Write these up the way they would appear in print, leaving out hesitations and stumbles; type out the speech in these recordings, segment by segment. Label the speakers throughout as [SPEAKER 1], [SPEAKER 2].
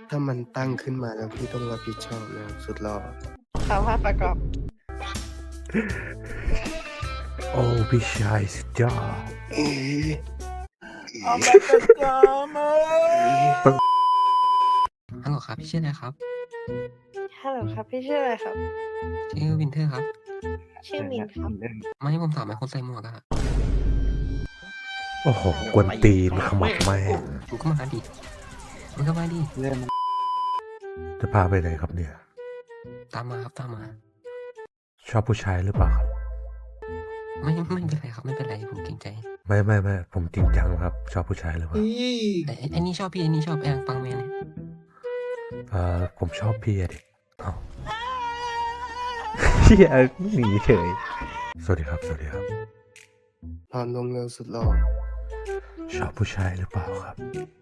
[SPEAKER 1] ถ้ามันตั้งขึ้นมาแล้วพี่ต้องรับผิดชอบนะครับสุดหล่อ
[SPEAKER 2] ข่าวภาพประกอบ
[SPEAKER 3] โอ้พี่ชายสุดยอด
[SPEAKER 1] เอ๊ะ
[SPEAKER 2] เอาไปประจำ
[SPEAKER 4] ฮัลโหลครับพี่ชื่ออะไรครับ
[SPEAKER 2] ฮัลโหลครับพี่ชื่ออะไรครับ
[SPEAKER 4] ชื่อวินเทอร์ครับ
[SPEAKER 2] ชื่อมินครับ
[SPEAKER 4] ไม่ให้ผมถามไหมคนใส่หมวกอะ
[SPEAKER 3] โอ้โหกวนตีนขมับแม่ง
[SPEAKER 4] มึงก็มาดิมึงก็มาดิ
[SPEAKER 3] จะพาไปไหนครับเนี่ย
[SPEAKER 4] ตามมาครับตามมา
[SPEAKER 3] ชอบผู้ชายหรือเปล่าครับ
[SPEAKER 4] ไม่เป็นไรครับไม่เป็นไรผมเกรงใจ
[SPEAKER 3] ไม่ผมจริงจังครับ ชอบผู้ชายหรือเปล่า
[SPEAKER 4] แต่ไอ้นี่ชอบพี่ไอ้นี่ชอบแองปังแมนเนี่ย
[SPEAKER 3] ผมชอบพี่อะดิเอ้าเฮียหนีเฉยสวัสดีครับ
[SPEAKER 1] นอนลงเร็วสุดหล่อ
[SPEAKER 3] ชอบผู้ชายหรือเปล่าครับ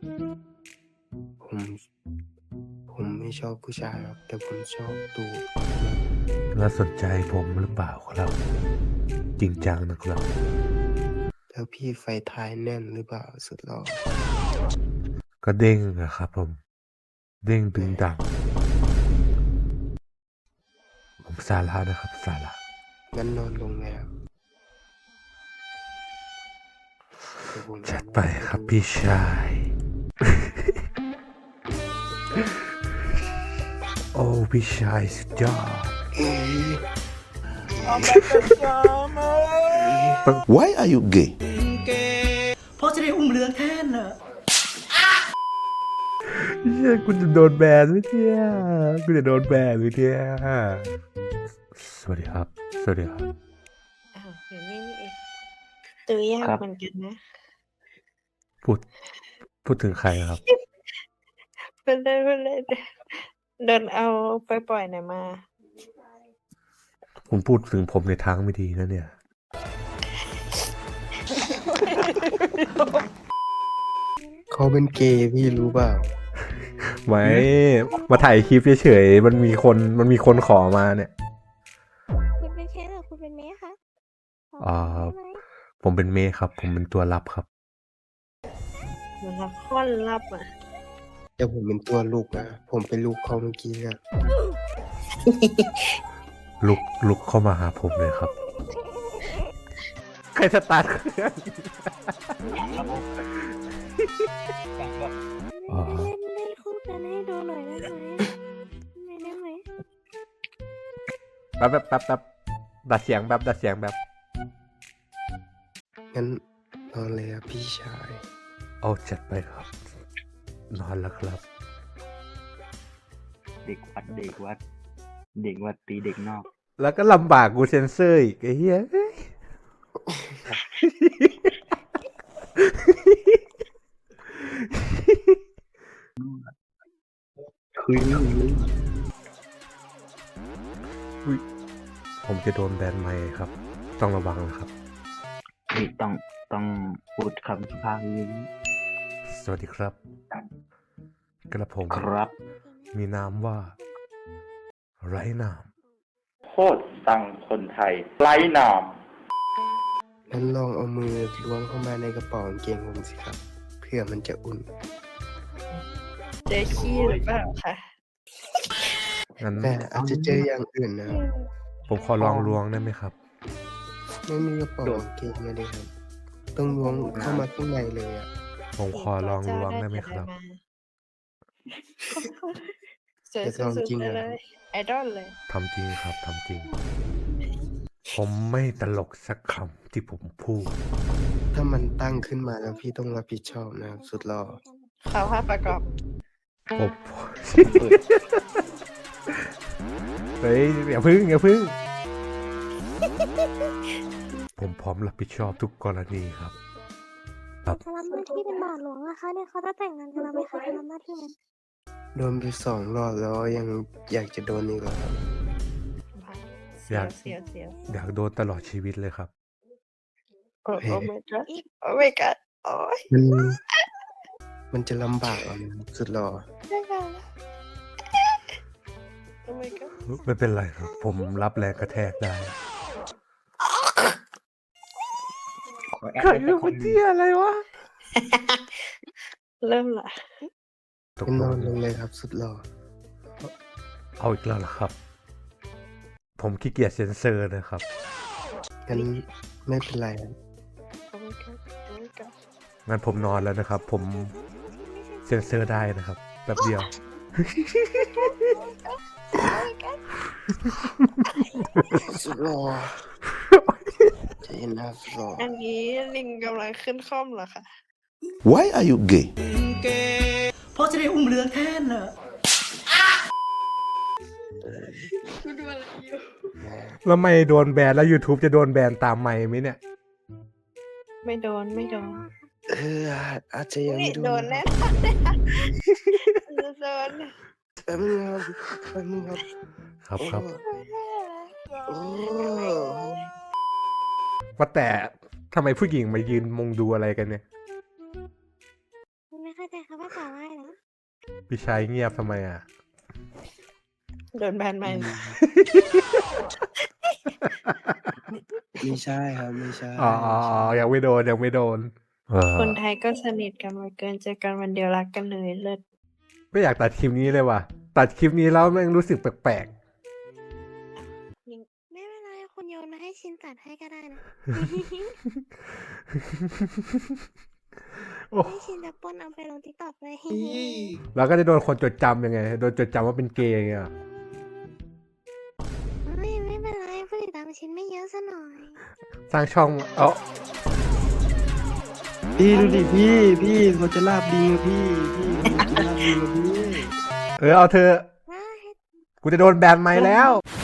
[SPEAKER 1] ผมไม่ชอบผู้ชายครับแต่ผมชอบตูด
[SPEAKER 3] แล้วสนใจผมหรือเปล่าครับ จริงจังนะครับ
[SPEAKER 1] แล้วพี่ไฟท้ายแน่นหรือเปล่าสุดหล่อ
[SPEAKER 3] ก็เด้งนะครับผม เด้งดึงดังผมสาระนะครับสาระ
[SPEAKER 1] งั้นนอนลงแล้วเยวผม
[SPEAKER 3] จัดไปครับพี่ชาย โอ้พี่ชายสุดยอด
[SPEAKER 1] เอ๊ะ
[SPEAKER 2] เอาไปประจำ
[SPEAKER 5] Why are you gay?
[SPEAKER 6] เพราะจะได้อุ้มเรืองแทนน่ะ
[SPEAKER 3] เฮียกูจะโดนแบนไหมเนี่ยกูจะโดนแบนไหมเนี่ยสวัสดีครับ
[SPEAKER 2] อ้าวอยู่นี่นี่เองตัวยากเหมือนกันนะ
[SPEAKER 3] พูดถึงใครครับ
[SPEAKER 2] เป็นเลยเดินเอาไปปล่อยไหนมา
[SPEAKER 3] คุณพูดถึงผมในทางไม่ดีนะเนี่ย
[SPEAKER 1] เขาเป็นเกย์พี่รู้เปล่า
[SPEAKER 3] ไม่มาถ่ายคลิปเฉยๆมันมีคนขอมาเนี่ย
[SPEAKER 7] คุณเป็นเคสหรือคุณเป็นเมย์คะ
[SPEAKER 3] อ่า
[SPEAKER 7] ใช่ไหม
[SPEAKER 3] ผมเป็นเมย์ครับ ผมเป็นตัวรับครับ
[SPEAKER 2] มันละค่อนลับอ่ะ
[SPEAKER 1] แต่ผมเป็นตัวลูกนะผมเป็นลูกเขาเมื่อกี้อะ
[SPEAKER 3] ลุกเข้ามาหาผมเลยครับ ใครสตาร์ทเครื่องอ๋อ
[SPEAKER 7] เล่นคู่กันให้ดูหน่อยได้ไหมได้ไหม
[SPEAKER 3] แป๊บดัดเสียงแบบ
[SPEAKER 1] งั้นนอนเลยครับพี่ชาย
[SPEAKER 3] เอาจัดไปครับ นอนแล้วครับ
[SPEAKER 8] เด็กวัดตีเด็กนอก
[SPEAKER 3] แล้วก็ลำบากกูเซนเซอร์อีกไอ้เหี้ย
[SPEAKER 8] คุยไม่รู้
[SPEAKER 3] ผมจะโดนแบนไหมค์ครับ ต้องระวังนะครับ
[SPEAKER 8] นี่ต้องพูดคำสุภาพนิดนึง
[SPEAKER 3] สวัสดีครับ กระผม
[SPEAKER 8] ครับ
[SPEAKER 3] มีนามว่า ไร้นาม
[SPEAKER 9] โคตรตังคนไทยไร้นาม
[SPEAKER 1] งั้นลองเอามือล้วงเข้ามาในกระเป๋ากางเกงผมสิครับ เพื่อมันจะอุ่น
[SPEAKER 2] เจอขี้หรือเปล่าคะ
[SPEAKER 3] งั้น
[SPEAKER 1] แต่อาจจะเจออย่างอื่นนะครับ
[SPEAKER 3] ผมขอลองล้วงได้ไหมครับ
[SPEAKER 1] ไม่มีกระเป๋ากางเกงเลยครับ ต้องล้วงเข้ามาข้างในเลยอ่ะ
[SPEAKER 3] ผมขอลองล้วงได้ไหมครับ
[SPEAKER 2] สวยสุดๆเลยไอดอลเลย
[SPEAKER 3] ทำจริงครับ ทำจริง ผมไม่ตลกสักคำที่ผมพูด
[SPEAKER 1] ถ้ามันตั้งขึ้นมาแล้วพี่ต้องรับผิดชอบนะครับสุดหล่อ
[SPEAKER 2] ข่าวภาพประกอบ
[SPEAKER 3] ผมเฮ้ยอย่าพึ่ง ผมพร้อมรับผิดชอบทุกกรณีครับ
[SPEAKER 7] จะรับหน้าที่เป็นบาทหลวงนะคะเนี่ยเขาจะแต่งงานกันแล้วไหมคะจะรับหน้าที่ไหม
[SPEAKER 1] โดนไป2 รอบแล้วยังอยากจะโดนอีกเหรอครับ
[SPEAKER 2] เสียว
[SPEAKER 3] อยากโดนตลอดชีวิตเลยครับ
[SPEAKER 2] โอ้ my god โอ้ my god โอ้ย
[SPEAKER 1] มันจะลำบากเอานะครับสุดหล่อ
[SPEAKER 2] ได้ค่ะโอ้ my god
[SPEAKER 3] ไม่เป็นไรครับ ผมรับแรงกระแทกได้
[SPEAKER 8] ขอแอด
[SPEAKER 3] ใคร
[SPEAKER 8] ไว้
[SPEAKER 3] เป็
[SPEAKER 8] สั
[SPEAKER 3] น
[SPEAKER 8] ก
[SPEAKER 3] ค
[SPEAKER 8] คน
[SPEAKER 3] น
[SPEAKER 8] หนึ่ง
[SPEAKER 3] เที่ยอะไรวะ
[SPEAKER 2] เริ่มละ
[SPEAKER 3] ตก
[SPEAKER 1] เป็น
[SPEAKER 3] ล
[SPEAKER 1] นอง นลงเลยครับสุดหล่อ
[SPEAKER 3] เอาอีกแล้วเหรอครับ ผมขี้เกียจเซ็นเซอร์นะครับ
[SPEAKER 1] งั้นไม่เป็นไรครับ
[SPEAKER 2] โอ้ my god โอ้ my god
[SPEAKER 3] งั้นผมนอนแล้วนะครับ ผมเซ็นเซอร์ได้นะครับแป๊บเดียว
[SPEAKER 1] สุดหล่อใจเย็นนะครับสุดหล่อ
[SPEAKER 2] อันนี้ลิงกำลังขึ้นคล่อมเหรอคะ
[SPEAKER 5] Why are you gay?
[SPEAKER 6] เพราะจะได้อุ้มเรืองแทนน่ะ
[SPEAKER 2] คุณดูอะไรอยู่
[SPEAKER 3] แล้วไม่โดนแบนแล้ว YouTube จะโดนแบนตามไม่ไหมเนี่ย
[SPEAKER 2] ไม่โดนไม่โดน
[SPEAKER 1] อาจจะยัง
[SPEAKER 2] นี่
[SPEAKER 1] ไม่
[SPEAKER 2] โด
[SPEAKER 1] โด
[SPEAKER 2] น
[SPEAKER 1] น
[SPEAKER 2] แน่
[SPEAKER 1] นะ
[SPEAKER 2] โดน
[SPEAKER 1] แป๊บนึงครับแป๊บนึงครับ
[SPEAKER 3] ครับ
[SPEAKER 1] โอ้
[SPEAKER 3] ว่าแต่ทำไมผู้หญิงมายืนมุงดูอะไรกันเนี่ย
[SPEAKER 7] ไม่เข้าใจค่ะว่าต่อว่านะ
[SPEAKER 3] พี่ชายเงียบทำไมอ่ะ
[SPEAKER 2] โดนแบนไหม
[SPEAKER 1] ไม่ใช่ครับไม่ใช่
[SPEAKER 3] อ๋อยังไม่โดนยังไม่โดน
[SPEAKER 2] คนไทยก็สนิทกันมาเกินเจอกันวันเดียวรักกันเลยเลิศ
[SPEAKER 3] ไม่อยากตัดคลิปนี้เลยว่ะ ตัดคลิปนี้แล้วแม่งรู้สึกแปลก
[SPEAKER 7] ไม่เป็นไรคุณโยนมาให้ชินตัดให้ก็ได้นะ
[SPEAKER 3] ๆ โอ้
[SPEAKER 7] ให้ชินจะปล้นเอาไปลงติ๊กต็อกเลย
[SPEAKER 3] แล้วก็จะโดนคนจดจำยังไง โดนจดจำว่าเป็นเกย์อย่างเงี้ย
[SPEAKER 7] ไม่เป็นไรผู้ติดตามชินไม่เยอะซะหน่อย
[SPEAKER 3] สร้างช่องเอ้า
[SPEAKER 1] พี่ดูดิพี่เขาจะลาบดีอะพี่เขาจะลาบดีอะพี่
[SPEAKER 3] เอาเธอะ
[SPEAKER 7] ว้า
[SPEAKER 3] กูจะโดนแบนไหมแล้ว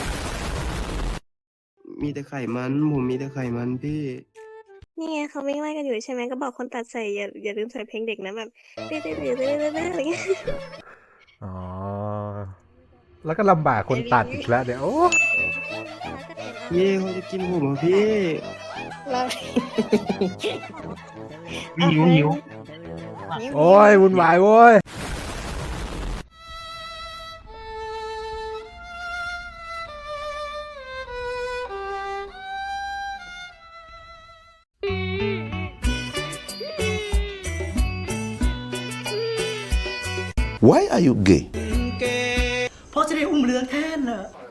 [SPEAKER 1] มีแต่ไขมันผมมีแต่ไขมันพี่
[SPEAKER 7] นี่ไงเขาวิ่งไล่กันอยู่ใช่ไหมก็บอกคนตัดใส่อย่าลืมใส่เพลงเด็กนะแบบเต้ๆอะไรเงี้ย
[SPEAKER 3] อ๋อ แล้วก็ลำบากคนตัดอีกแล้วเดี๋ยวโอ้
[SPEAKER 1] เย่เขาจะกินผมเหรอพี่
[SPEAKER 2] เรา
[SPEAKER 8] หิว
[SPEAKER 3] โอ้ยวุ่นวายโว้ย
[SPEAKER 5] Why are you gay?
[SPEAKER 6] เพราะจะได้อุ้มเรืองแทนน่ะ